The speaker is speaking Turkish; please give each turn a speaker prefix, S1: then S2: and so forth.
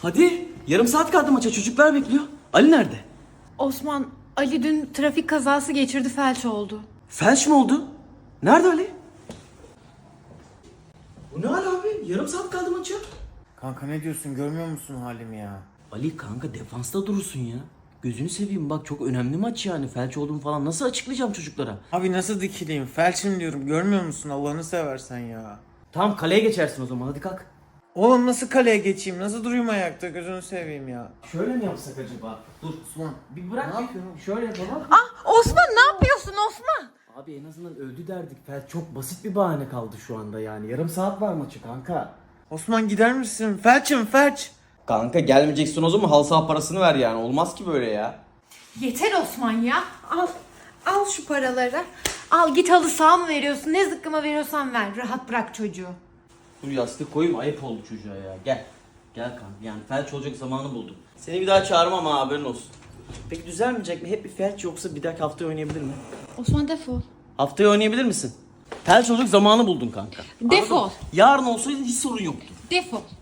S1: Hadi yarım saat kaldı maça, çocuklar bekliyor. Ali nerede?
S2: Osman, Ali dün trafik kazası geçirdi, felç oldu.
S1: Felç mi oldu? Nerede Ali? Bu ne hal abi? Yarım saat kaldı maça.
S3: Kanka ne diyorsun, görmüyor musun halimi ya?
S1: Ali kanka defansta durursun ya. Gözünü seveyim bak, çok önemli maç yani. Felç olduğumu falan nasıl açıklayacağım çocuklara?
S3: Abi nasıl dikileyim, felçim diyorum, görmüyor musun, Allah'ını seversen ya.
S1: Tamam, kaleye geçersin o zaman, hadi kalk.
S3: Oğlum nasıl kaleye geçeyim, nasıl durayım ayakta, gözünü seveyim ya.
S1: Şöyle mi yapsak acaba? Dur
S3: Osman
S1: bir bırak.
S3: ne yapıyorsun?
S1: Şöyle yapalım.
S2: Osman, ne yapıyorsun Osman?
S1: Abi en azından öldü derdik. Felç çok basit bir bahane kaldı şu anda yani. Yarım saat var maçı kanka.
S3: Osman gider misin, felçim felç.
S1: Kanka gelmeyeceksin o zaman, halı saha parasını ver yani. Olmaz ki böyle ya.
S2: Yeter Osman ya. Al şu paraları. Al git, halı saha mı veriyorsun, ne zıkkıma veriyorsan ver. Rahat bırak çocuğu.
S1: Dur yastık koyayım, ayıp oldu çocuğa ya. Gel. Gel kanka, yani felç olacak zamanı buldum. Seni bir daha çağırmam ha, haberin olsun. Peki düzelmeyecek mi? Hep bir felç, yoksa bir dahaki haftaya oynayabilir mi?
S2: Osman defol.
S1: Haftaya oynayabilir misin? Felç olacak zamanı buldun kanka.
S2: Defol.
S1: Anladın mı? Yarın olsaydı hiç sorun yoktu.
S2: Defol.